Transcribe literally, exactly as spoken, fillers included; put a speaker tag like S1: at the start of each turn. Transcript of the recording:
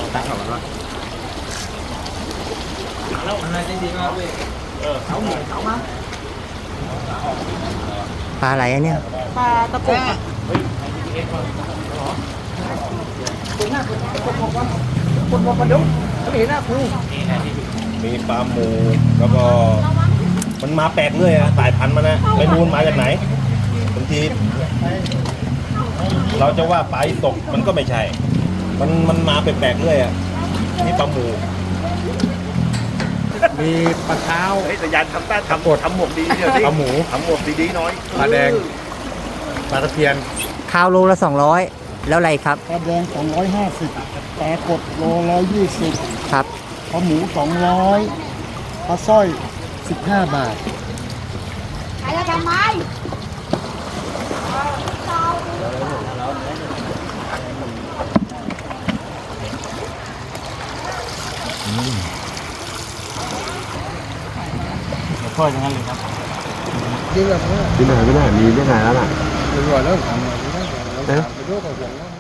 S1: ตั้งเขาแล้วแล้วอะไรได้ดีมากเลยเออเขาหมูเขามาปลาอะไรอะเนี่ย
S2: ปลาตะปุก
S1: คนหน้าคนบอกว่าคนบอกว่าเดี๋ยวเขาเห็นหน้าครู
S3: มีปลาหมูแล้วก็มันมาแปลกเลยอะสายพันธุ์มันนะไม่รู้มาจากไหนบางทีเราจะว่าปลาตกมันก็ไม่ใช่มันมันมาแปลกๆเลยอะนี่ปลาหมู
S1: มีปลาเท้า
S4: เฮ้ยแต่ยันทำต้าทำหมดทำหมวกดีเนี่ย
S1: ปลาหมู
S4: ทำหมวกดีๆน้อย
S1: ปลาแดงปลาตะเพียน
S2: ข้าวโลละสองร้อยแล้วอะไรครับ
S5: ปลาแดงสองร้อยห้าสิบปลากดโลร้อยยี่สิบ
S2: ครับ
S5: ปลาหมูสองร้อยปลาสร้อยสิบห้าบาท
S2: ขายแล้วทำไม
S1: ทอดอย่างนั้นเลยครับ
S5: จริงแบบนี้
S3: ที่ไหนไม่ได้มีที่ไหนแล้วล่ะ
S5: เป็นว่าเริ่มทำอะไรไม่ได้แล้วไปดูกับผม